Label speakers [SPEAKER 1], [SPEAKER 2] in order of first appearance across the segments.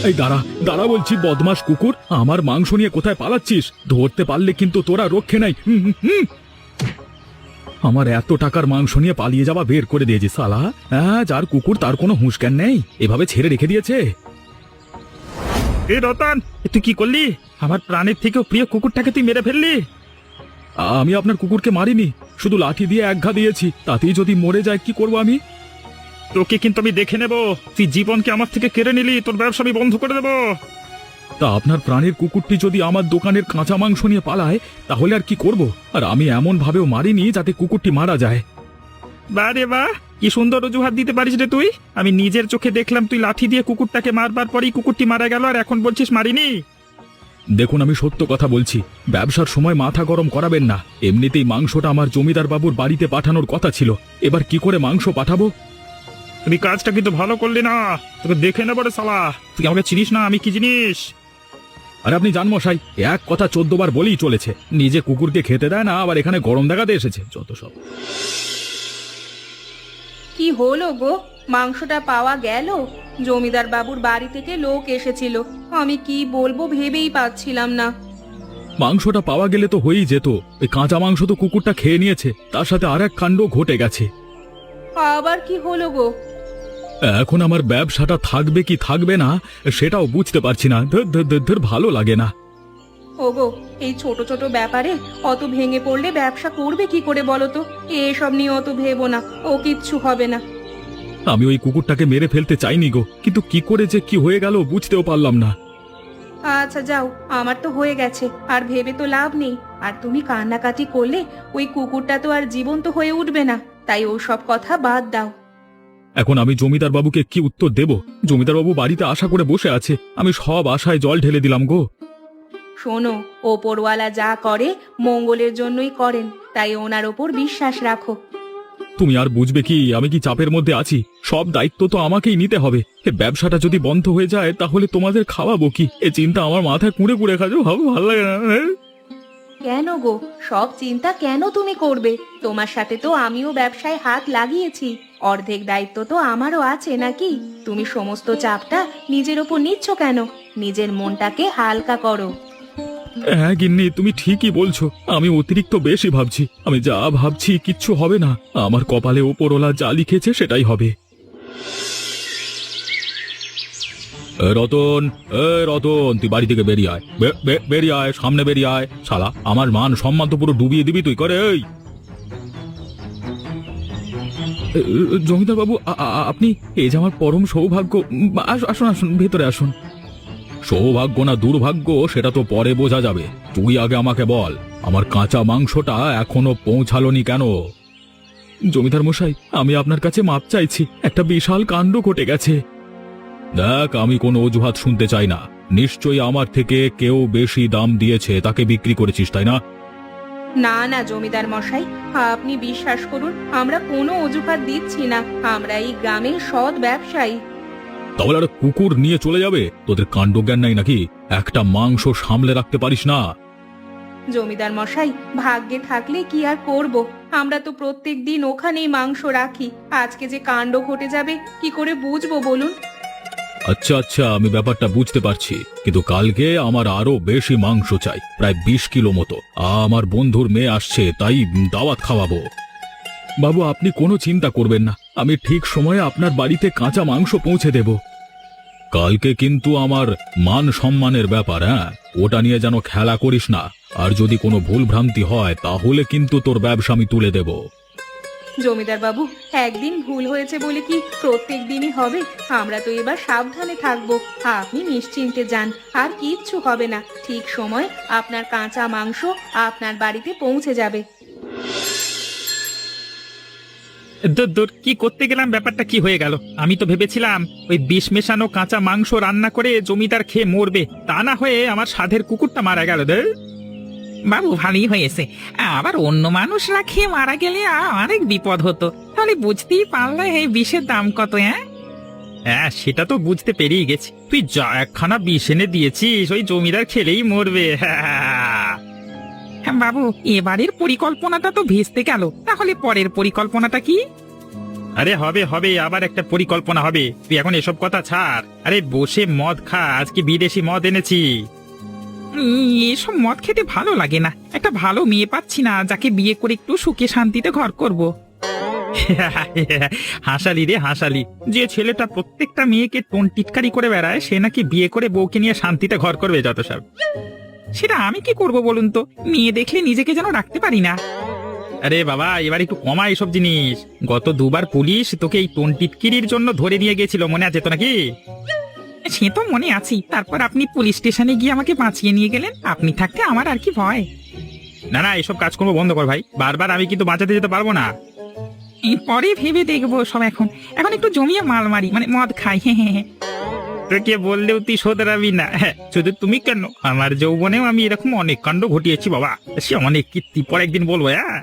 [SPEAKER 1] এই দাঁড়া দাঁড়া বলছি, বদমাস কুকুর, আমার মাংস নিয়ে কোথায় পালাচ্ছিস? ধরতে পারলে কিন্তু তোরা রক্ষে নাই। আমার এত টাকার মাংস নিয়ে পালিয়ে যাওয়া বের করে দিয়েছি শালা। হ্যাঁ, যার কুকুর তার কোনো হুঁশ জ্ঞান নেই, এভাবে ছেড়ে রেখে দিয়েছে।
[SPEAKER 2] এ রতন, তুই কি করলি? আমার প্রাণের থেকেও প্রিয় কুকুরটাকে তুই মেরে ফেললি।
[SPEAKER 1] আমি আপনার কুকুরকে মারিনি, শুধু লাঠি দিয়ে এক ঘা দিয়েছি, তাতেই যদি মরে যায় কি করব আমি?
[SPEAKER 2] তোকে কিন্তু আমি দেখে নেব। তুই জীবনকে আমার থেকে কেড়ে নিলি, তোর ব্যবসা আমি বন্ধ করে দেবো।
[SPEAKER 1] তা আপনার প্রাণের কুকুরটি যদি আমার দোকানের কাঁচা মাংস নিয়ে পালায়, তাহলে আর কি করব? আর আমি এমন ভাবেও মারিনি যাতে কুকুরটি মারা যায়।
[SPEAKER 2] বাহ রে বাহ, কি সুন্দর অজুহাত দিতে পারিস রে তুই। আমি নিজের চোখে দেখলাম তুই লাঠি দিয়ে কুকুরটাকে মারবার পরেই কুকুরটি মারা গেল, আর এখন বলছিস মারিনি।
[SPEAKER 1] দেখুন, আমি সত্য কথা বলছি, ব্যবসার সময় মাথা গরম করাবেন না। এমনিতেই মাংসটা আমার জমিদার বাবুর বাড়িতে পাঠানোর কথা ছিল, এবার কি করে মাংস পাঠাবো?
[SPEAKER 2] তুই কাজটা কিন্তু ভালো করলি না, তোকে দেখে নেবো রে শালা। তুই আমাকে চিনিস না আমি কি জিনিস।
[SPEAKER 1] আর আপনি জান মশাই, এক কথা 14 বার বলেই চলেছে, নিজে কুকুরকে খেতে দেয় না, আবার এখানে গরম দেখাতে এসেছে, যত সব।
[SPEAKER 3] কি হলো গো, মাংসটা পাওয়া গেল? জমিদার বাবুর বাড়ি থেকে লোক এসেছিল, আমি কি বলবো ভেবেই পাচ্ছিলাম না।
[SPEAKER 1] মাংসটা পাওয়া গেলে তো হয়েই যেত, এই কাঁচা মাংস তো কুকুরটা খেয়ে নিয়েছে, তার সাথে আর এক কাণ্ড ঘটে গেছে।
[SPEAKER 3] আবার কি হলো গো?
[SPEAKER 1] এখন আমার ব্যবসাটা থাকবে কি থাকবে না সেটাও বুঝতে পারছি না। ধর ধর ধর ধর, ভালো লাগে না।
[SPEAKER 3] ওগো, এই ছোট ছোট ব্যাপারে অত ভেঙে পড়লে ব্যবসা করবে কি করে বলো তো? এসব নিয়ে অত ভেবো না, ও কিচ্ছু হবে না।
[SPEAKER 1] আমি ওই কুকুরটাকে মেরে ফেলতে চাইনি গো, কিন্তু কি করে যে কি হয়ে গেল বুঝতেও পারলাম না।
[SPEAKER 3] আচ্ছা যাও, আমার তো হয়ে গেছে, আর ভেবে তো লাভ নেই। আর তুমি কান্নাকাটি করলে ওই কুকুরটা তো আর জীবন্ত হয়ে উঠবে না, তাই ও সব কথা বাদ দাও।
[SPEAKER 1] এখন আমি জমিদার বাবুকে কি উত্তর দেব? জমিদার বাবু বাড়িতে আশা করে বসে আছে, আমি সব আশায় জল ঢেলে দিলাম গো।
[SPEAKER 3] শোনো, ওপরওয়ালা যা করে মঙ্গলের জন্যই করেন, তাই ওনার ওপর বিশ্বাস রাখো।
[SPEAKER 1] তুমি আর বুঝবে কি, আমি কি চাপের মধ্যে আছি? সব দায়িত্ব তো আমাকেই নিতে হবে। এ ব্যবসাটা যদি বন্ধ হয়ে যায় তাহলে তোমাদের খাওয়াবো কি? এ চিন্তা আমার মাথায় কুঁড়ে কুঁড়ে খাজো, ভালো লাগে না।
[SPEAKER 3] কেন গো, সব চিন্তা কেন তুমি করবে? তোমার সাথে তো আমিও ব্যবসায় হাত লাগিয়েছি, অর্ধেক দায়িত্ব তো আমারও আছে নাকি? তুমি সমস্ত চাপটা নিজের ওপর নিচ্ছ কেন? নিজের মনটাকে হালকা করো।
[SPEAKER 1] হ্যাঁ গিন্নি, তুমি ঠিকই বলছো, আমি অতিরিক্ত বেশি ভাবছি। আমি যা ভাবছি কিচ্ছু হবে না, আমার কপালে ওপরওয়ালা যা লিখেছে সেটাই হবে। রতন, রতন, তুই বাড়ি থেকে বেরিয়ে আয়, বেরিয়ে আয়, সামনে বেরিয়ে আয়। শালা, আমার মান সম্মান তো পুরো ডুবিয়ে দিবি তুই করে। এই জমিদার বাবু, আপনি? এই যে আমার পরম সৌভাগ্য। আসুন আসুন, ভেতরে আসুন। সৌভাগ্য না দুর্ভাগ্য সেটা তো পরে বোঝা যাবে, তুই আগে আমাকে বল, আমার কাঁচা মাংসটা এখনো পৌঁছালোনি কেন? জমিদার মশাই, আমি আপনার কাছে মাপ চাইছি, একটা বিশাল কাণ্ড ঘটে গেছে। দেখ, আমি কোনো অজুহাত শুনতে চাই না। নিশ্চয়ই আমার থেকে কেউ বেশি দাম দিয়েছে, তাকে বিক্রি করেছিস, তাই না?
[SPEAKER 3] না না জমিদার মশাই, আপনি বিশ্বাস করুন, আমরা কোনো অজুহাত দিচ্ছি না, আমরা এই গ্রামের সৎ ব্যবসায়ী।
[SPEAKER 1] তাহলে আর কুকুর নিয়ে চলে যাবে? তোদের কাণ্ডজ্ঞান নাই নাকি? একটা মাংস সামলে রাখতে পারিস না?
[SPEAKER 3] জমিদার মশাই, ভাগ্যে থাকলে কি আর করব, আমরা তো প্রত্যেক দিন ওখানেই মাংস রাখি। আজকে যে কাণ্ড ঘটে যাবে কি করে বুঝবো বলুন?
[SPEAKER 1] আচ্ছা আচ্ছা, আমি ব্যাপারটা বুঝতে পারছি, কিন্তু কালকে আমার আরো বেশি মাংস চাই, প্রায় 20 কিলো মতো। আমার বন্ধুর মেয়ে আসছে, তাই দাওয়াত খাওয়াবো। বাবু, আপনি কোনো চিন্তা করবেন না, আমি ঠিক সময়ে আপনার বাড়িতে কাঁচা মাংস পৌঁছে দেব। কালকে কিন্তু আমার মান সম্মানের ব্যাপার, হ্যাঁ, ওটা নিয়ে যেন খেলা করিস না। আর যদি কোনো ভুল ভ্রান্তি হয় তাহলে কিন্তু তোর ব্যবসা আমি তুলে দেব।
[SPEAKER 3] জমিদার বাবু, একদিন ভুল হয়েছে বলে কি প্রত্যেক দিনই হবে? আমরা তো এবার সাবধানে থাকবো, আপনি নিশ্চিন্তে যান, আর কিচ্ছু হবে না। ঠিক সময় আপনার কাঁচা মাংস আপনার বাড়িতে পৌঁছে যাবে।
[SPEAKER 2] দূর দূর, কি করতে গেলাম, ব্যাপারটা কি হয়ে গেল? আমি তো ভেবেছিলাম ওই বিষ মেশানো কাঁচা মাংস রান্না করে জমিদার খেয়ে মরবে, তা না হয়ে আমার সাধের কুকুরটা মারা গেল।
[SPEAKER 4] বাবু, ভালোই হয়েছে, আবার অন্য মানুষরা খেয়ে মারা গেলে অনেক বিপদ হতো। তাহলে বুঝতেই পারলে এই বিষের দাম কত।
[SPEAKER 2] হ্যাঁ, সেটা তো বুঝতে পেরিয়ে গেছি। তুই যা একখানা বিষ এনে দিয়েছিস, ওই জমিদার খেলেই মরবে।
[SPEAKER 4] বাবু, এবারের পরিকল্পনাটা তো ভেস্তে গেল, তাহলে পরের পরিকল্পনাটা কি?
[SPEAKER 2] আরে হবে হবে, আবার একটা পরিকল্পনা হবে। তুই এখন এসব কথা ছাড়। আরে বসে মদ খা, আজকে বিদেশি মদ এনেছি।
[SPEAKER 4] এসব মদ খেতে ভালো লাগে না। একটা ভালো মেয়ে পাচ্ছি না যাকে বিয়ে করে একটু সুখে শান্তিতে ঘর করব।
[SPEAKER 2] হাসালি রে হাসালি, যে ছেলেটা প্রত্যেকটা মেয়েকে টোন টিটকারি করে বেড়ায় সে নাকি বিয়ে করে বউকে নিয়ে শান্তিতে ঘর করবে যত সব।
[SPEAKER 4] সেটা আমি কি করব বলুন তো, মেয়ে দেখলে নিজেকে যেন রাখতে পারি না।
[SPEAKER 2] আরে বাবা, এবার একটু কমা এইসব জিনিস। গত দুবার পুলিশ তোকে এই টোন টিটকিরির জন্য ধরে নিয়ে গেছিল, মনে আছে তো নাকি?
[SPEAKER 4] সে তো মনে আছি। তারপর আপনি পুলিশ স্টেশনে গিয়ে আমাকে বাঁচিয়ে নিয়ে গেলেন। আপনি থাকতে আমার আর কি ভয়।
[SPEAKER 2] না না, এসব কাজকর্ম বন্ধ কর ভাই, বারবার আমি কিন্তু বাঁচাতে যেতে পারবো না।
[SPEAKER 4] পরে ভেবে দেখবো সব। এখন এখন একটু জমিয়ে মাল মারি, মানে মদ খাই। হ্যাঁ,
[SPEAKER 2] তোকে বললেও তুই শোধরাবি না। হ্যাঁ, শুধু তুমি কেন, আমার যৌবনেও আমি এরকম অনেক কাণ্ড ঘটিয়েছি বাবা। সে অনেক কীর্তি পর একদিন বলবো। হ্যাঁ,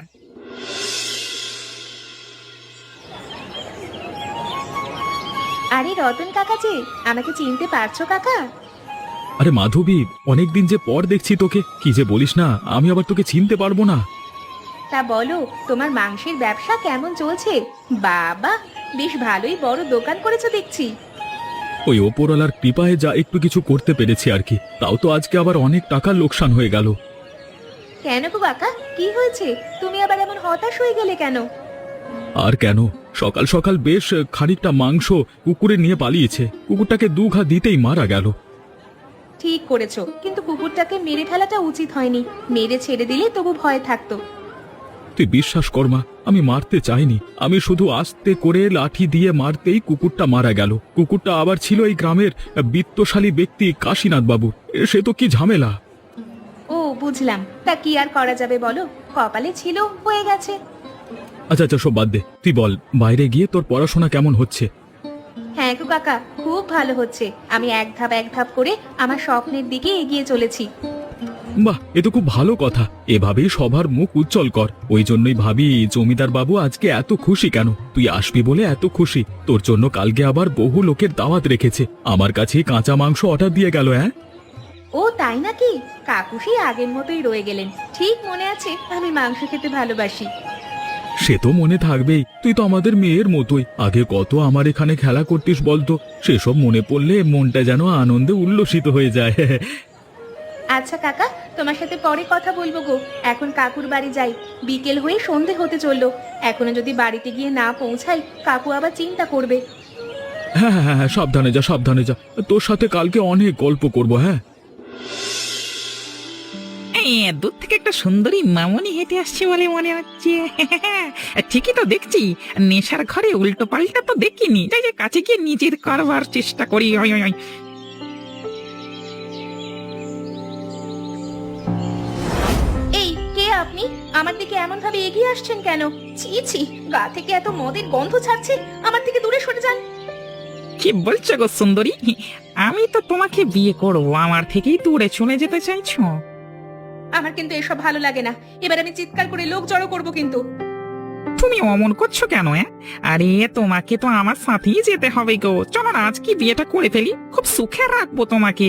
[SPEAKER 3] আরে রতন কাকা যে, আমাকে চিনতে পারছো কাকা?
[SPEAKER 1] আরে মাধবী, অনেকদিন যে পর দেখছি তোকে, কি যে বলিস না, আমি আবার তোকে চিনতে পারবো না।
[SPEAKER 3] তা বলো, তোমার মাংসের ব্যবসা কেমন চলছে? বাবা, বেশ ভালোই বড় দোকান করেছো দেখছি।
[SPEAKER 1] ওই ওপরওয়ালার কৃপায় যা একটু কিছু করতে পেরেছি আর কি, তাও তো আজকে আবার অনেক টাকার লোকসান হয়ে গেল।
[SPEAKER 3] কেন গো কাকা, কি হয়েছে? তুমি আবার এমন হতাশ হয়ে গেলে কেন?
[SPEAKER 1] আর কেন, সকাল সকাল বেশ খানিকটা মাংস কুকুরে নিয়ে পালিয়েছে, কুকুরটাকে 2 ঘা দিতেই মারা গেল।
[SPEAKER 3] ঠিক করেছো, কিন্তু কুকুরটাকে মেরে ফেলাটা উচিত হয়নি। মেরে ছেড়ে দিলে তবু ভয় থাকতো।
[SPEAKER 1] তুই বিশ্বাস কর মা, আমি মারতে চাইনি, আমি শুধু আস্তে করে লাঠি দিয়ে মারতেই কুকুরটা মারা গেল। কুকুরটা আবার ছিল এই গ্রামের বিত্তশালী ব্যক্তি কাশীনাথ বাবু। সে তো কি ঝামেলা।
[SPEAKER 3] ও বুঝলাম, তা কি আর করা যাবে বলো, কপালে ছিল, হয়ে গেছে।
[SPEAKER 1] আচ্ছা আচ্ছা, সব বাদ দে, তুই বল, বাইরে গিয়ে তোর পড়াশোনা কেমন হচ্ছে?
[SPEAKER 3] হ্যাঁ গো কাকা, খুব ভালো হচ্ছে। আমি এক ধাপ করে আমার স্বপ্নের দিকে এগিয়ে চলেছি।
[SPEAKER 1] বাহ, এ তো খুব ভালো কথা। এভাবেই সবার মুখ উজ্জ্বল কর। ওই জন্যই ভাবি জমিদার বাবু আজকে এত খুশি কেন। তুই আসবি বলে এত খুশি। তোর জন্য কালকে আবার বহু লোকের দাওয়াত রেখেছে। আমার কাছে কাঁচা মাংস অর্ডার দিয়ে গেল। হ্যাঁ,
[SPEAKER 3] ও তাই নাকি? কাকু সেই আগের মতোই রয়ে গেলেন। ঠিক মনে আছে, আমি মাংস খেতে ভালোবাসি।
[SPEAKER 1] সে তো মনে থাকবেই, তুই তো আমাদের মেয়ের মতোই। আগে কত আমার এখানে খেলা করতিস বলতো, সেসব মনে পড়লে মনটা যেন আনন্দে উল্লসিত হয়ে যায়।
[SPEAKER 3] আচ্ছা কাকা, তোমার সাথে পরে কথা বলবো গো। এখন কাকুর বাড়ি যাই, বিকেল হয়ে সন্ধে হতে চললো। এখনো যদি বাড়িতে গিয়ে না পৌঁছাই, কাকু আবার চিন্তা করবে।
[SPEAKER 1] হ্যাঁ হ্যাঁ হ্যাঁ, সাবধানে যা, সাবধানে যা। তোর সাথে কালকে অনেক গল্প করবো। হ্যাঁ,
[SPEAKER 4] দূর থেকে একটা সুন্দরী মামনি হেঁটে আসছে বলে মনে হচ্ছে। ঠিকই তো দেখছি, নেশার ঘরে উল্টো পাল্টা তো দেখিনি। যাই যাই, কাছে গিয়ে নিজের করবার চেষ্টা করি। ওই, ওই, ওই।
[SPEAKER 3] এই কে আপনি? আমার দিকে এমন ভাবে এগিয়ে আসছেন কেন? ছি ছি, গা থেকে এত মদের গন্ধ ছাড়ছে। আমার থেকে দূরে সরে যান।
[SPEAKER 4] কি বলছো গো সুন্দরী? আমি তো তোমাকে বিয়ে করবো, আমার থেকেই দূরে চলে যেতে চাইছো?
[SPEAKER 3] আমার কিন্তু এসব ভালো লাগে না। এবার আমি চিৎকার করে লোক জড়ো করবো কিন্তু।
[SPEAKER 4] তুমি অমন করছো কেন? আরে তোমাকে তো আমার সাথেই যেতে হবে গো। চলো না, আজকে বিয়েটা করে ফেলি, খুব সুখে রাখবো তোমাকে।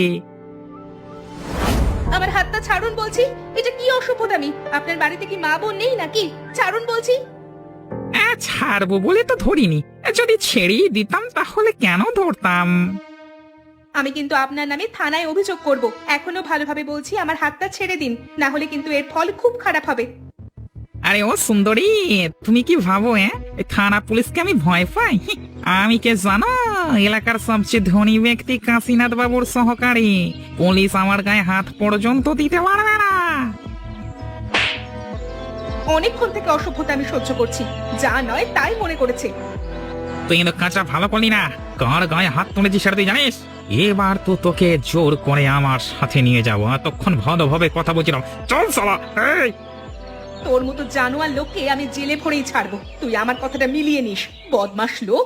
[SPEAKER 3] আমার হাতটা ছাড়ুন বলছি। এটা কি অসভ্যতামি? আপনার বাড়িতে কি মা বোন নেই নাকি? ছাড়ুন বলছি।
[SPEAKER 4] ছাড়বো বলে তো ধরিনি। যদি ছেড়েই দিতাম তাহলে কেন ধরতাম?
[SPEAKER 3] আমি কিন্তু আপনার নামে থানায় অভিযোগ করব। এখনো ভালোভাবে বলছি, আমার হাতটা ছেড়ে দিন, না হলে কিন্তু এর ফল খুব খারাপ হবে।
[SPEAKER 4] আরে ও সুন্দরী, তুমি কি ভাবো থানা পুলিশকে আমি ভয় পাই? আমি কে জানো? এলাকার সবচেয়ে ধনী ব্যক্তি কাশীনাথ বাবুর সহকারী। পুলিশ আমার গায়ে হাত পর্যন্ত দিতে পারবে না।
[SPEAKER 3] অনেকক্ষণ থেকে অসভ্যতা আমি সহ্য করছি, যা নয় তাই মনে করেছে।
[SPEAKER 4] তুই কিন্তু কাঁচা ভালো করলি না। কার গায়ে হাত তুলেছি সেটা তুই জানিস? এবার তো তোকে জোর করে আমার সাথে নিয়ে যাবো। এতক্ষণ ভালোভাবে কথা বলছিলাম। চল সালা। এই,
[SPEAKER 3] তোর মতো জানোয়ার লোককে আমি জেলে ভরেই ছাড়বো। তুই আমার কথাটা মিলিয়ে নিস, বদমাশ লোক।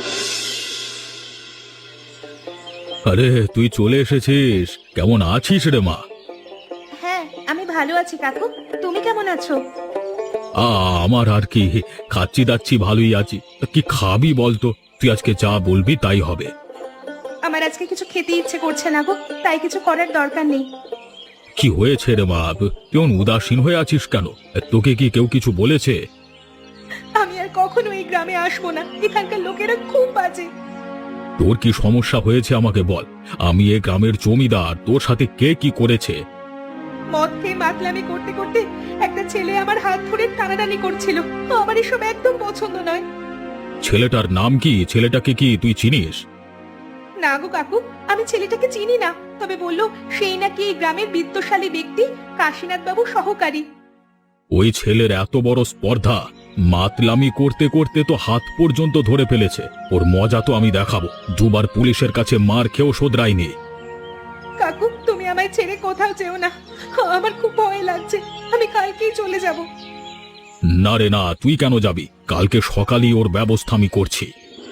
[SPEAKER 1] আরে তুই চলে এসেছিস, কেমন আছিস রে মা?
[SPEAKER 3] হ্যাঁ, আমি ভালো আছি কাকু। তুমি কেমন আছো?
[SPEAKER 1] আমার আর কি, খাচ্ছি দাচ্ছি, ভালোই আছি। তা কি খাবি বলতো? তুই আজকে যা বলবি তাই হবে।
[SPEAKER 3] আমার আজকে কিছু খেতে ইচ্ছে করছে না গো, তাই কিছু করার দরকার নেই।
[SPEAKER 1] কি হয়েছে রে মা, কেমন উদাসীন হয়ে আছিস কেন? তোকে কি কেউ কিছু বলেছে?
[SPEAKER 3] আমি আর কখনো কখনো এই গ্রামে আসবো না। এখানকার লোকেরা খুব বাজে।
[SPEAKER 1] তোর কি সমস্যা হয়েছে আমাকে বল। আমি এ গ্রামের জমিদার, তোর সাথে কে কি করেছে?
[SPEAKER 3] মদ খেয়ে মাতলামি করতে করতে একটা ছেলে আমার হাত ধরে টানাটানি করছিল। আমার এসব একদম পছন্দ নয়।
[SPEAKER 1] ছেলেটার নাম কি? ছেলেটাকে কি তুই চিনিস?
[SPEAKER 3] না গো কাকু, আমি ছেলেটাকে চিনি না। তবে বললো সেই নাকি এই গ্রামের বিত্তশালী ব্যক্তি কাশীনাথ বাবু সহকারী।
[SPEAKER 1] ওই ছেলের এত বড় স্পর্ধা! মাতলামি করতে করতে তো হাত পর্যন্ত ধরে ফেলেছে। ওর মজা তো আমি দেখাবো। দুবার পুলিশের কাছে মার খেয়েও শোধরায়নি।
[SPEAKER 3] কাকু, তুমি আমায় ছেড়ে কোথাও যেও না। আমার খুব ভয় লাগছে। আমি কালকেই চলে যাব।
[SPEAKER 1] না রে না, তুই কেন যাবি? কালকে সকালেই ওর ব্যবস্থা আমি করছি।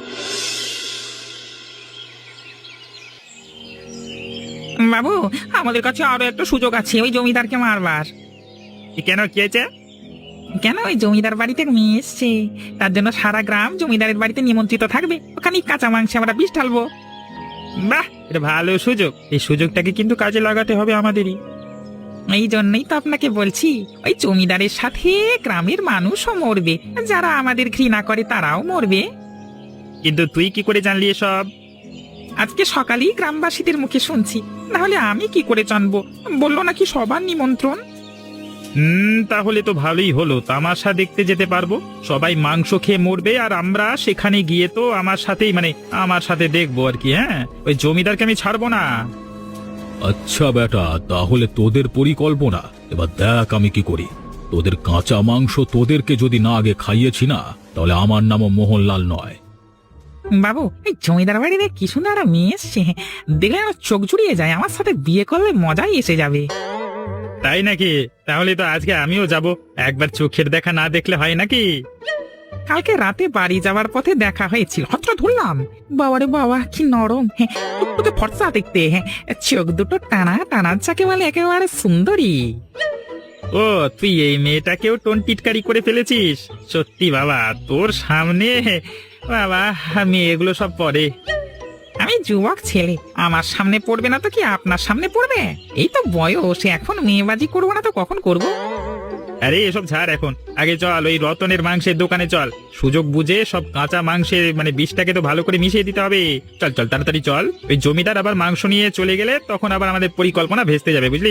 [SPEAKER 4] বাবু, আমাদের কাছে আরো একটা সুযোগ আছে ওই জমিদারকে মারবার।
[SPEAKER 2] কেন, কি হয়েছে?
[SPEAKER 4] কেন, ওই জমিদার বাড়িতে মেয়ে এসছে, তার জন্য সারা গ্রাম জমিদারের বাড়িতে নিমন্ত্রিত থাকবে। ওখানে কাঁচা মাংসে আমরা বিষ ঢালবো।
[SPEAKER 2] বাহ, এটা ভালো সুযোগ। এই সুযোগটাকে কিন্তু কাজে লাগাতে হবে আমাদেরই।
[SPEAKER 4] এই জন্যই তো আপনাকে বলছি, ওই জমিদারের সাথে গ্রামের মানুষও মরবে, যারা আমাদের ঘৃণা করে তারাও মরবে।
[SPEAKER 2] কিন্তু তুই কি করে জানলি এসব?
[SPEAKER 4] আজকে সকালেই গ্রামবাসীদের মুখে শুনছি, না হলে আমি কি করে জানবো? বললো নাকি সবার নিমন্ত্রণ।
[SPEAKER 2] তাহলে তো ভালোই হলো। তামাশা দেখতে যেতে পারবো। সবাই মাংস খেয়ে মরবে আর আমরা সেখানে গিয়ে তো আমার সাথে দেখবো আর কি। হ্যাঁ, ওই জমিদারকে আমি ছাড়বো না।
[SPEAKER 1] আচ্ছা বেটা, তাহলে তোদের পরিকল্পনা। এবার দেখ আমি কি করি। তোদের কাঁচা মাংস তোদেরকে যদি না আগে খাইয়েছি না, তাহলে আমার নামও মোহনলাল নয়।
[SPEAKER 4] বাবু, এই জমিদার বাড়িতে কি সুন্দর একটা মেয়ে এসছে, দেখলে আমার চোখ জুড়িয়ে যায়। আমার সাথে বিয়ে করলে মজাই এসে যাবে।
[SPEAKER 2] তাই নাকি? তাহলে তো আজকে আমিও যাব। একবার চোখের দেখা না দেখলে হয় নাকি?
[SPEAKER 4] কালকে রাতে বাড়ি যাওয়ার পথে দেখা হয়েছিল, হত্র ধরলাম। বাবারে বাবা, কি নরম, হ্যাঁ, টুকটুকে ফর্সা দেখতে, হ্যাঁ, চোখ দুটো টানা টানা, যাকে বলে একেবারে সুন্দরী।
[SPEAKER 2] ও, তুই এই মেয়েটাকেও টোন টিটকারি করে ফেলেছিস? সত্যি বাবা, তোর সামনে বাবা আমি এগুলো সব পরে।
[SPEAKER 4] আমি যুবক ছেলে, আমার সামনে পড়বে না তো কি আপনার সামনে পড়বে? এই তো বয়স, এখন মেয়েবাজি করবো না তো কখন করব?
[SPEAKER 2] আরে এসব ছাড় এখন। আগে চল ওই রতনের মাংসের দোকানে চল। সুযোগ বুঝে সব কাঁচা মাংসের বিষটাকে তো ভালো করে মিশিয়ে দিতে হবে। চল চল, তাড়াতাড়ি চল। ওই জমিদার আবার মাংস নিয়ে চলে গেলে তখন আবার আমাদের পরিকল্পনা ভেস্তে যাবে, বুঝলি?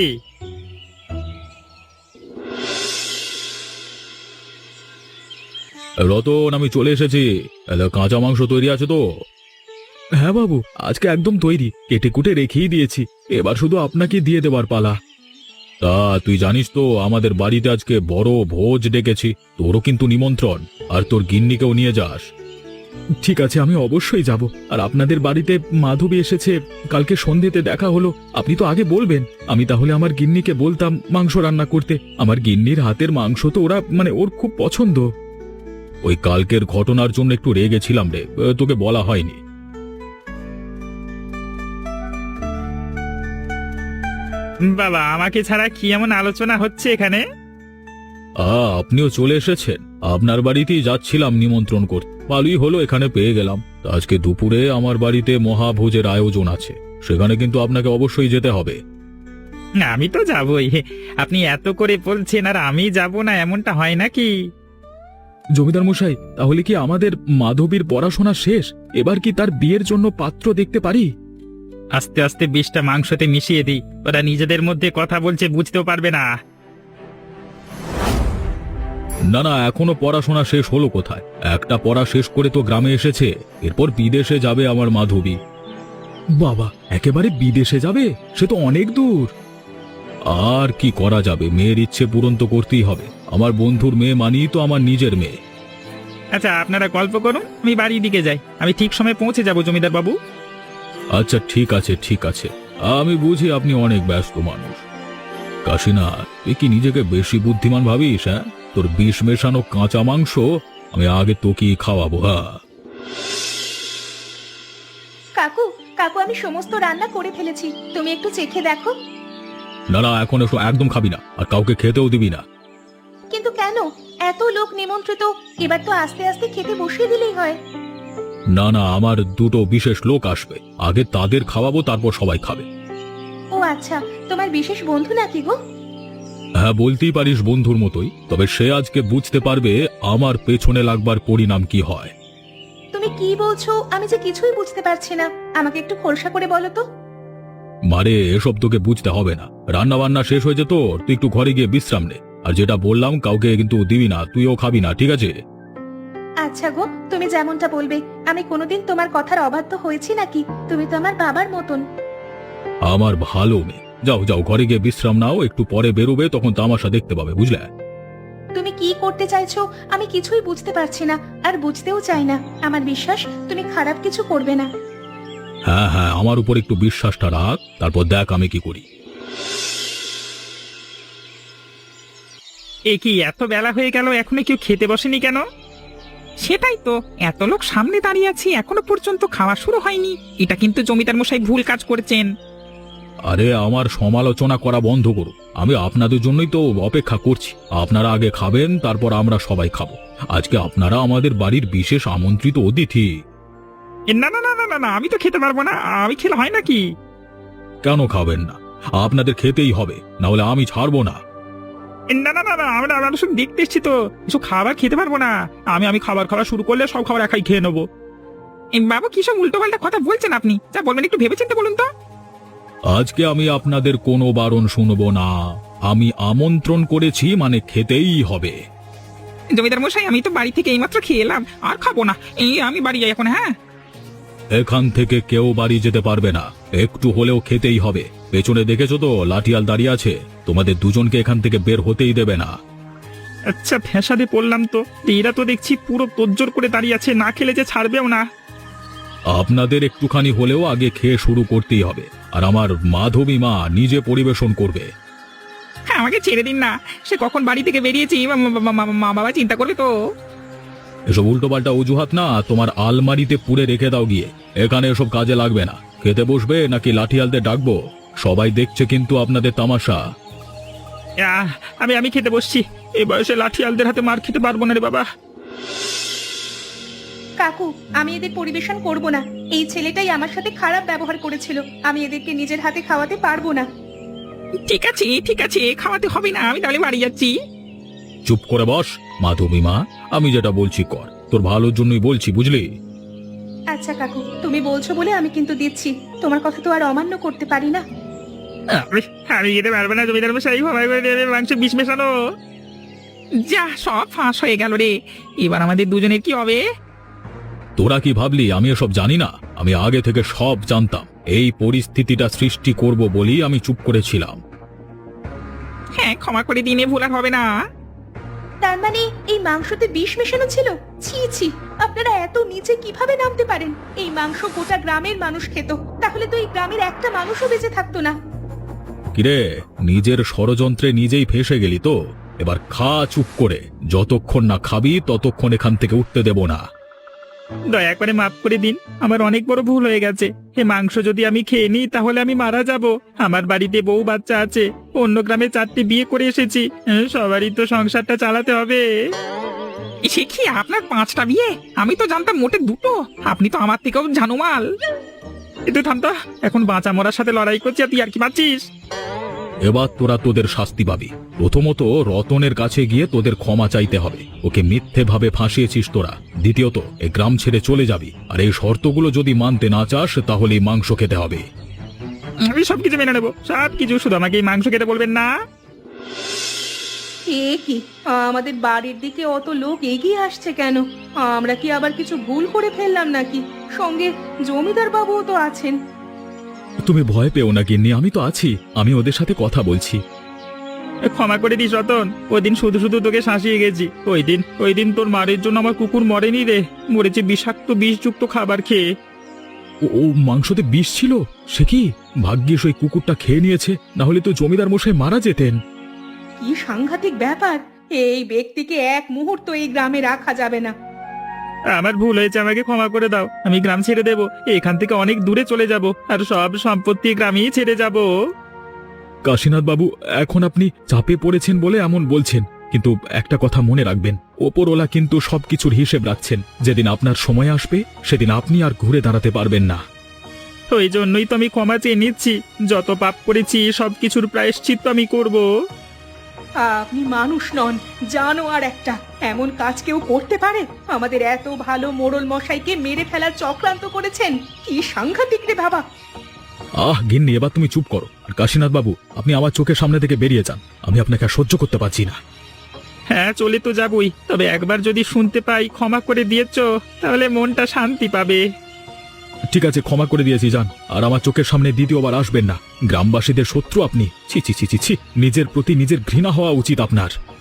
[SPEAKER 1] রতন, আমি চলে এসেছি। কাঁচা মাংস তৈরি আছে তো? হ্যাঁ বাবু, আজকে একদম তৈরি, কেটে কুটে রেখেই দিয়েছি। এবার শুধু আপনাকে দিয়ে দেবার পালা। তা তুই জানিস তো আমাদের বাড়িতে আজকে বড় ভোজ ডেকেছি। তোরও কিন্তু নিমন্ত্রণ, আর তোর গিন্নিকেও নিয়ে যাস। ঠিক আছে, আমি অবশ্যই যাব। আর আপনাদের বাড়িতে মাধবী এসেছে, কালকে সন্ধ্যেতে দেখা হলো। আপনি তো আগে বলবেন, আমি তাহলে আমার গিন্নিকে বলতাম মাংস রান্না করতে। আমার গিন্নির হাতের মাংস তো ওর খুব পছন্দ। ওই কালকের ঘটনার জন্য একটু রেগেছিলাম রে, তোকে বলা হয়নি।
[SPEAKER 2] বাবা, আমাকে ছাড়া কি এমন আলোচনা হচ্ছে এখানে?
[SPEAKER 1] আপনিও চলে এসেছেন। আপনার বাড়িতেই যাচ্ছিলাম নিমন্ত্রণ করতে। ভালোই হলো এখানে পেয়ে গেলাম। তা আজকে দুপুরে আমার বাড়িতে মহাভোজের আয়োজন আছে, সেখানে কিন্তু আপনাকে অবশ্যই যেতে হবে।
[SPEAKER 2] আমি তো যাবই। আপনি এত করে বলছেন আর আমি যাব না, এমনটা হয় নাকি?
[SPEAKER 1] জমিদার মশাই, তাহলে কি আমাদের মাধবীর পড়াশোনা শেষ? এবার কি তার বিয়ের জন্য পাত্র দেখতে পারি?
[SPEAKER 2] আস্তে আস্তে বিষটা মাংসতে মিশিয়ে দিই। ওরা নিজেদের মধ্যে কথা বলছে, বুঝতেও পারবে না।
[SPEAKER 1] না না, এখনো পড়াশোনা শেষ হলো কোথায়? একটা পড়া শেষ করে তো গ্রামে এসেছে, এরপর বিদেশে যাবে আমার মাধবী। বাবা, একেবারে বিদেশে যাবে? সে তো অনেক দূর। আর কি করা যাবে, মেয়ের ইচ্ছে পূরণ তো করতেই হবে। আমার বন্ধুর মেয়ে মানেই তো আমার নিজের মেয়ে।
[SPEAKER 2] আচ্ছা, আপনারা গল্প করুন, আমি বাড়ির দিকে যাই। আমি ঠিক সময় পৌঁছে যাব জমিদার বাবু।
[SPEAKER 1] আচ্ছা ঠিক আছে ঠিক আছে, আমি বুঝি আপনি অনেক ব্যস্ত মানুষ। কাশীনাথ, তুই কি নিজেকে বেশি বুদ্ধিমান ভাবিস? হ্যাঁ, তোর বিষ মেশানো কাঁচা মাংস আমি আগে তোকেই খাওয়াবো। হ্যাঁ
[SPEAKER 3] কাকু, কাকু, আমি সমস্ত রান্না করে ফেলেছি, তুমি একটু চেখে দেখো।
[SPEAKER 1] না না, এখন এসব একদম খাবি না, আর কাউকে খেতেও দিবি না।
[SPEAKER 3] কিন্তু কেন? এত লোক নিমন্ত্রিত, এবার তো আস্তে আস্তে খেতে বসিয়ে দিলেই হয়।
[SPEAKER 1] না না, আমার দুটো বিশেষ লোক আসবে, আগে তাদের খাওয়াবো, তারপর সবাই খাবে।
[SPEAKER 3] ও আচ্ছা, তোমার বিশেষ বন্ধু নাকি গো?
[SPEAKER 1] হ্যাঁ, বলতেই পারিস বন্ধুর মতোই। তবে সে আজকে বুঝতে পারবে আমার পেছনে লাগবার পরিণাম কি হয়?
[SPEAKER 3] তুমি কি বলছো আমি যে কিছুই বুঝতে পারছি না, আমাকে একটু খোলসা করে বলো তো।
[SPEAKER 1] মারে, এসব তোকে বুঝতে হবে না। রান্না বান্না শেষ হয়েছে তোর, তুই একটু ঘরে গিয়ে বিশ্রাম নে। আর যেটা বললাম কাউকে কিন্তু দিবি না, তুইও খাবি না, ঠিক আছে?
[SPEAKER 3] আচ্ছা গো, তুমি যেমনটা বলবে। আমি কোনোদিন তোমার কথার অবাধ্য হয়েছি নাকি? তুমি তো আমার বাবার মতন।
[SPEAKER 1] আমার ভালো মেয়ে। যাও যাও, ঘরে গিয়ে বিশ্রাম নাও, একটু পরে বেরোবে, তখন তামাশা দেখতে পাবে, বুঝলে?
[SPEAKER 3] তুমি কি করতে চাইছো আমি কিছুই বুঝতে পারছি না, আর বুঝতেও চাই না। আমার বিশ্বাস তুমি খারাপ কিছু করবে না।
[SPEAKER 1] হ্যাঁ হ্যাঁ, আমার উপর একটু বিশ্বাসটা রাখ, তারপর দেখ আমি কি করি।
[SPEAKER 2] এ কি এত বেলা হয়ে গেল, এখনো কেউ খেতে বসেনি কেন?
[SPEAKER 4] সেটাই তো, এত লোক সামনে দাঁড়িয়ে আছি এখনো পর্যন্ত খাওয়া শুরু হয়নি। এটা কিন্তু জমিদার মশাই ভুল কাজ করেছেন।
[SPEAKER 1] আরে আমার সমালোচনা করা বন্ধ করো, আমি আপনাদের জন্যই তো অপেক্ষা করছি। আপনারা আগে খাবেন, তারপর আমরা সবাই খাবো। আজকে আপনারা আমাদের বাড়ির বিশেষ আমন্ত্রিত অতিথি।
[SPEAKER 2] না না না না না না, আমি তো খেতে পারবো না। আমি খেলে হয় নাকি?
[SPEAKER 1] কেন খাবেন না? আপনাদের খেতেই হবে, না হলে আমি ছাড়বো না।
[SPEAKER 2] না না না না, আমরা শুধু দেখতে এসছি তো, কিছু খাবার খেতে পারবো না। আমি খাবার খাওয়া শুরু করলে সব খাবার একাই খেয়ে নেবো।
[SPEAKER 4] বাবু কি সব উল্টো পাল্টা কথা বলছেন আপনি? যা বলবেন একটু ভেবেচিন্তে বলুন তো।
[SPEAKER 1] আজকে আমি আপনাদের কোনো বারণ শুনবো না। আমি আমন্ত্রণ করেছি মানে খেতেই হবে।
[SPEAKER 4] জমিদার মশাই, আমি তো বাড়ি থেকে এইমাত্র খেয়ে এলাম, আর খাবো না। আমি বাড়ি যাই এখন। হ্যাঁ,
[SPEAKER 1] এখান থেকে কেউ বাড়ি যেতে পারবে না, একটু হলেও খেতেই হবে। পেছনে দেখেছো তো লাঠিয়াল দাঁড়িয়ে আছে, তোমাদের দুজনকে এখান থেকে বের হতেই দেবে না।
[SPEAKER 2] আচ্ছা, ফ্যাসাদে পড়লাম তো। এরা তো দেখছি পুরো তোজ্জোর করে দাঁড়িয়ে আছে, না খেলে যে ছাড়বেও না।
[SPEAKER 1] আপনাদের একটুখানি হলেও আগে খেয়ে শুরু করতেই হবে। আর আমার মাধবী মা নিজে পরিবেশন করবে।
[SPEAKER 4] হ্যাঁ, আমাকে ছেড়ে দিন না। সে কখন বাড়ি থেকে বেরিয়েছি, মা বাবা চিন্তা করবে তো।
[SPEAKER 1] এসব উল্টোপাল্টা অজুহাত না, তোমার আলমারিতে পুড়ে রেখে দাও গিয়ে। এখানে এসব কাজে লাগবে না। খেতে বসবে নাকি লাঠিয়ালদের ডাকবো? সবাই দেখছে কিন্তু আপনাদের তামাশা।
[SPEAKER 2] আমি খেতে বসছি। এই বয়সে লাঠিয়ালদের হাতে মার খেতে পারবো না রে বাবা।
[SPEAKER 3] কাকু, আমি এদের পরিবেশন করব না। এই ছেলেটাই আমার সাথে খারাপ ব্যবহার করেছিল। আমি এদেরকে নিজের হাতে খাওয়াতে পারবো না।
[SPEAKER 4] ঠিক আছে ঠিক আছে, খাওয়াতে হবে না, আমি তাহলে বাড়ি যাচ্ছি।
[SPEAKER 1] চুপ করে বস মাধবী মা, আমি যেটা বলছি কর, তোর ভালোর জন্যই বলছি, বুঝলি?
[SPEAKER 3] আচ্ছা কাকু, তুমি বলছো বলে আমি কিন্তু দিচ্ছি। তোমার কথা তো আর অমান্য করতে পারি না।
[SPEAKER 2] আমি খেতে পারবো না। জমিদার মশাই ক্ষমাই করে দেবে, মাংস বিষ মেশানো।
[SPEAKER 4] যা, সব ফাঁস হয়ে গেল রে। এবার আমাদের দুজনের কি হবে?
[SPEAKER 1] তোরা কি ভাবলি আমি এসব জানি না? আমি আগে থেকে সব জানতাম। এই পরিস্থিতিটা সৃষ্টি করব বলেই আমি চুপ করেছিলাম।
[SPEAKER 4] হ্যাঁ, ক্ষমা করে দিনে ভুল আর হবে না।
[SPEAKER 3] তার মানে এই মাংসতে বিষ মেশানো ছিল? ছি ছি, আপনারা এত নিচে কিভাবে নামতে পারেন? এই মাংস গোটা গ্রামের মানুষ খেত, তাহলে তো এই গ্রামের একটা মানুষও বেঁচে থাকতো না।
[SPEAKER 1] কিরে, নিজের ষড়যন্ত্রে নিজেই ফেঁসে গেলি তো? এবার খা চুপ করে। যতক্ষণ না খাবি ততক্ষণ এখান থেকে উঠতে দেব না।
[SPEAKER 2] দয়া করে মাফ করে দিন, আমার অনেক বড় ভুল হয়ে গেছে। এ মাংস যদি আমি খেয়ে নিই তাহলে আমি মারা যাব। আমার বাড়িতে বউ বাচ্চা আছে, অন্য গ্রামে 4টে বিয়ে করে এসেছি। সবারই তো সংসারটা চালাতে হবে।
[SPEAKER 4] সে কি, আপনার 5টা বিয়ে? আমি তো জানতাম মোটে 2টো। আপনি তো আমার থেকেও জানুমাল।
[SPEAKER 2] তুই থামতা, এখন বাঁচা মরার সাথে লড়াই করছি আর তুই আর কি পাচ্ছিস?
[SPEAKER 1] এবার তোরা তোদের শাস্তি পাবি। প্রথমত রতনের কাছে গিয়ে তোদের ক্ষমা চাইতে হবে। ওকে মিথ্যে ভাবে ফাঁসিয়েছিস তোরা। দ্বিতীয়ত এই গ্রাম ছেড়ে চলে যাবি। আর এই শর্তগুলো যদি মানতে না চাস তাহলে এই মাংস খেতে হবে।
[SPEAKER 2] আমি সবকিছু মেনে নেবো, সবকিছু। শুধু আমাকে এই মাংস খেতে বলবেন না।
[SPEAKER 3] এ কি, আমাদের বাড়ির দিকে অত লোক এগিয়ে আসছে কেন? আমরা কি আবার কিছু ভুল করে ফেললাম নাকি? সঙ্গে জমিদার বাবুও তো আছেন।
[SPEAKER 1] তুমি ভয় পেও না গিন্নি, আমি তো আছি। আমি ওদের সাথে কথা বলছি।
[SPEAKER 2] ক্ষমা করে দিস রতন, ওই দিন শুধু শুধু তোকে শাসিয়ে গেছি। ওই দিন তোর মারের জন্য আমার কুকুর মরেনি রে, মরেছে বিষাক্ত বিষযুক্ত খাবার খেয়ে।
[SPEAKER 1] ও মাংসতে বিষ ছিল? সে কি, ভাগ্যিস ওই কুকুরটা খেয়ে নিয়েছে, না হলে তো জমিদার মশাই মারা যেতেন।
[SPEAKER 3] কি সাংঘাতিক ব্যাপার! এই ব্যক্তিকে এক মুহূর্ত এই গ্রামে রাখা যাবে না।
[SPEAKER 2] আমার ভুল হয়েছে, আমাকে ক্ষমা করে দাও। আমি গ্রাম ছেড়ে দেব, এখান থেকে অনেক দূরে চলে যাব, আর সব সম্পত্তি গ্রামেই ছেড়ে যাব।
[SPEAKER 1] কাশীনাথ বাবু, এখন আপনি চাপে পড়েছেন বলে এমন বলছেন, কিন্তু একটা কথা মনে রাখবেন, ওপরওয়ালা কিন্তু সবকিছুর হিসেব রাখছেন। যেদিন আপনার সময় আসবে সেদিন আপনি আর ঘুরে দাঁড়াতে পারবেন না।
[SPEAKER 2] ওই জন্যই তো আমি ক্ষমা চেয়ে নিচ্ছি। যত পাপ করেছি সবকিছুর প্রায়শ্চিত্ত আমি করব।
[SPEAKER 3] আপনি মানুষ নন, জানোয়ার একটা। এমন কাজ কেউ করতে পারে? আমাদের এত ভালো মোড়ল মশাইকে মেরে ফেলার চক্রান্ত করেছেন। কি সাংঘাতিক রে বাবা!
[SPEAKER 1] গিন্নি, এবার তুমি চুপ করো। আর কাশীনাথ বাবু, আপনি আমার চোখের সামনে থেকে বেরিয়ে যান। আমি আপনাকে আর সহ্য করতে পারছি না।
[SPEAKER 2] হ্যাঁ, চলে তো যাবই, তবে একবার যদি শুনতে পাই ক্ষমা করে দিয়েছো তাহলে মনটা শান্তি পাবে।
[SPEAKER 1] ঠিক আছে, ক্ষমা করে দিয়েছি, যান। আর আমার চোখের সামনে দ্বিতীয়বার আসবেন না। গ্রামবাসীদের শত্রু আপনি। ছি ছি ছি ছি ছি, নিজের প্রতি নিজের ঘৃণা হওয়া উচিত আপনার।